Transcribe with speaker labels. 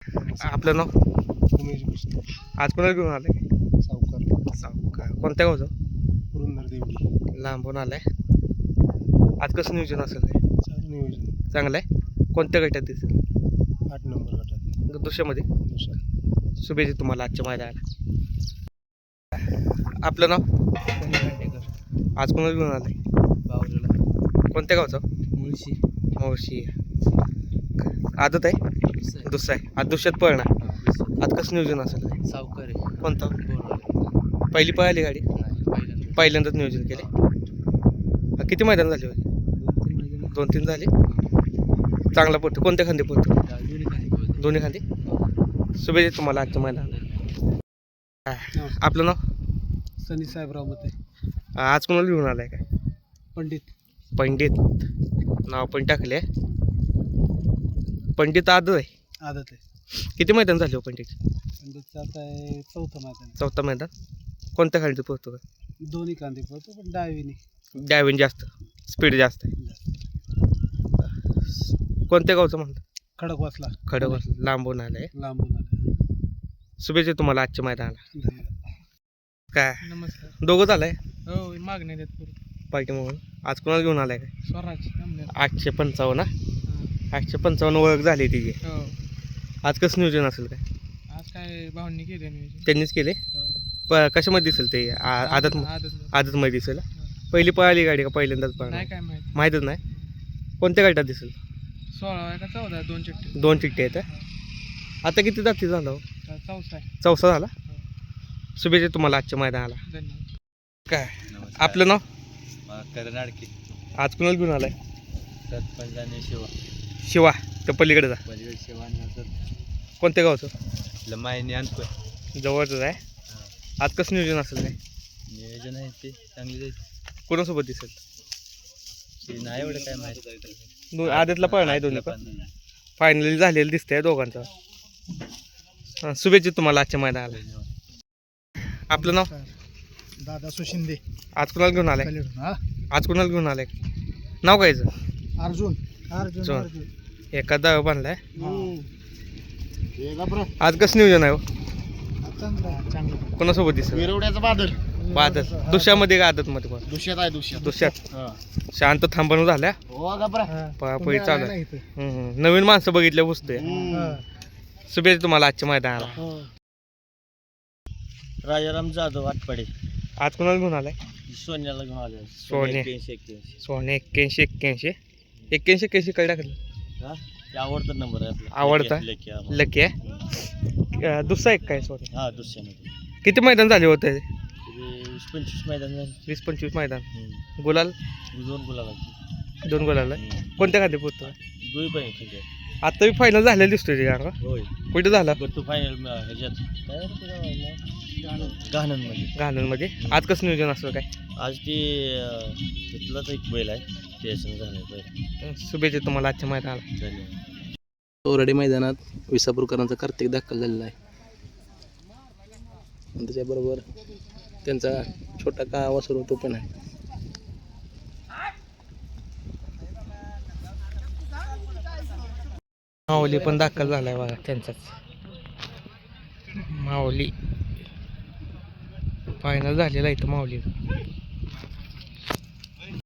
Speaker 1: आपलं नाव
Speaker 2: उमेश भुसले,
Speaker 1: आज कोणाला घेऊन आलाय?
Speaker 2: सावकार,
Speaker 1: सावकार. कोणत्या गावचं?
Speaker 2: पुरंदर देवडी.
Speaker 1: लांबून आलाय. आज कसं नियोजन असेल काय?
Speaker 2: चांगलं नियोजन.
Speaker 1: चांगलं आहे. कोणत्या गटात दिसेल?
Speaker 2: 8 नंबर गटात
Speaker 1: दुसऱ्यामध्ये.
Speaker 2: दुसरा.
Speaker 1: शुभेच्छा तुम्हाला आजच्या मैदानाला. आपलं नाव? आज कोणाला घेऊन आलाय?
Speaker 2: बावरीला
Speaker 1: कोणत्या गावचं?
Speaker 2: मुळशी.
Speaker 1: मावशी. आदत आहे? दुसरा आहे. आज दुसऱ्यात पळणार. आज कसं नियोजन असेल काय?
Speaker 2: सावकार आहे.
Speaker 1: कोणतं? पहिली पळाली गाडी? पहिल्यांदाच नियोजन केले. किती मैदान झाले होते? 2-3 झाले. चांगला पडतो. कोणत्या खांदे पडतो? दोन्ही खांदे. शुभेच्छा तुम्हाला आजच्या मैदानाला. आपलं नाव?
Speaker 2: सनी साहेबराव मते.
Speaker 1: आज कोणाला घेऊन आलाय काय? पंडित. नाव पण टाकले. पंडित आदत आहे.
Speaker 2: आदत आहे.
Speaker 1: किती मैदान झाले हो पंडित?
Speaker 2: पंडितचं आता आहे 4थं मैदान.
Speaker 1: चौथा मैदान. कोणत्या खांदे पडतो का?
Speaker 2: दोन्ही कांदे पळतो पण डावीने
Speaker 1: डायविंग जास्त, स्पीड जास्त आहे. कोणत्या गावचं म्हणतात?
Speaker 2: खडकवासला.
Speaker 1: खडक लांबून आलंय.
Speaker 2: लांबून आले.
Speaker 1: शुभेच्छा तुम्हाला आजच्या मैदानाला.
Speaker 2: धन्यवाद.
Speaker 1: काय
Speaker 2: नमस्कार.
Speaker 1: दोघंच आलाय
Speaker 2: हो मागण्या देत पूर्ण
Speaker 1: पार्टी म्हणून. आज कोणाला घेऊन आलाय काय?
Speaker 2: स्वराज.
Speaker 1: 855. 855 ओळख झाली तिची.
Speaker 2: हो.
Speaker 1: आज कसं नियोजन असेल काय?
Speaker 2: आज काय भावनी केले नियोजन.
Speaker 1: त्यांनीच केले.
Speaker 2: हो.
Speaker 1: कशामध्ये दिसेल ते? आदत
Speaker 2: आदत
Speaker 1: आदतमध्ये दिसेल. पहिली पळाली गाडी का पहिल्यांदाच पळणार?
Speaker 2: नाही काय माहिती.
Speaker 1: माहीतच नाही. कोणत्या गटात दिसेल?
Speaker 2: 16 का 14 2 चिठ्ठी.
Speaker 1: 2 चिठ्ठी आहेत. आता किती जाती झालं हो?
Speaker 2: 4 आहे.
Speaker 1: चौथा झाला. शुभेच्छा तुम्हाला आजच्या मैदानाला.
Speaker 2: धन्यवाद.
Speaker 1: काय आपलं नाव?
Speaker 3: कर्नाटकी.
Speaker 1: आज कुणाला घेऊन आलाय?
Speaker 3: सरपंच आणि शिवा.
Speaker 1: शिवा तर पलीकडे
Speaker 3: पलीकडे शिवा आणि
Speaker 1: कोणत्या गावचं?
Speaker 3: लमायनी आणतोय.
Speaker 1: जवळच आहे. आज कसं नियोजन असेल काय?
Speaker 3: नियोजन आहे ते चांगली जायचं.
Speaker 1: कोणासोबत दिसेल?
Speaker 3: ते नाही एवढं काय माहिती.
Speaker 1: आदतला पळणार आहे दोन्ही पण. फायनली झालेलं दिसतंय दोघांचं. शुभेच्छा तुम्हाला आजच्या मैदानाला. आपलं नाव?
Speaker 2: दादा सुशिंदे.
Speaker 1: आज कुणाला घेऊन आलाय?
Speaker 2: हा
Speaker 1: आज कुणाला घेऊन आलाय? नाव कायचं?
Speaker 2: अर्जुन.
Speaker 1: एखादा बांधलाय. आज कसं नियोजन आहे हो?
Speaker 2: चांगलं.
Speaker 1: कोणासोबत दिसेल?
Speaker 2: विरवड्याचा बादल.
Speaker 1: आदत दुसऱ्यामध्ये का आदतमध्ये पण?
Speaker 2: दुष्यात आहे दुष्यात.
Speaker 1: दुसऱ्यात शांत थांबणूक झाल्या.
Speaker 2: हो गबरा.
Speaker 1: पळी चालू आहे. नवीन माणसं बघितल्या पुसतोय. शुभेच्छा तुम्हाला आजच्या मैदानाला.
Speaker 3: राजाराम जाधव आटपाडे.
Speaker 1: आज कोणाला घेऊन आलाय?
Speaker 3: सोन्याला घेऊन आले.
Speaker 1: सोने.
Speaker 3: 81.
Speaker 1: सोने 81 काय टाकलं?
Speaker 3: हा ते आवडता नंबर आहे आपला.
Speaker 1: आवडता?
Speaker 3: लेकी.
Speaker 1: लकी आहे. दुसरा एक काय सोने?
Speaker 3: हा दुसऱ्यामध्ये
Speaker 1: किती मैदान झाले होते?
Speaker 3: 20-25 मैदान झाले.
Speaker 1: 20-25 मैदान. गुलाल?
Speaker 3: 2 गुलाला.
Speaker 1: 2 गुलाल आहे. कोणत्या खाली पोहतो?
Speaker 3: दोन्ही पण ठीक आहे.
Speaker 1: आता बी फायनल झालेलं दिसतोय ते गाणं.
Speaker 3: होय.
Speaker 1: कुठे झाला?
Speaker 3: गट्टू फायनल ह्याच्यात काय गहाणमध्ये.
Speaker 1: गाण्यांमध्ये. आज कसं नियोजन असलं काय?
Speaker 3: आज ते तिथलाच एक बैल आहे ते संग झालं बैल.
Speaker 1: शुभेच्छा तुम्हाला आजच्या मैदानाला.
Speaker 3: धन्यवाद.
Speaker 4: तोराडी मैदानात विसापूरकरांचा कार्तिक दाखल झालेला आहे. आणि त्याच्याबरोबर त्यांचा छोटा का वासरू तो पण आहे.
Speaker 1: माऊली पण दाखल झालाय बघा त्यांचाच. माऊली फायनल झालेला आहे तो माऊली.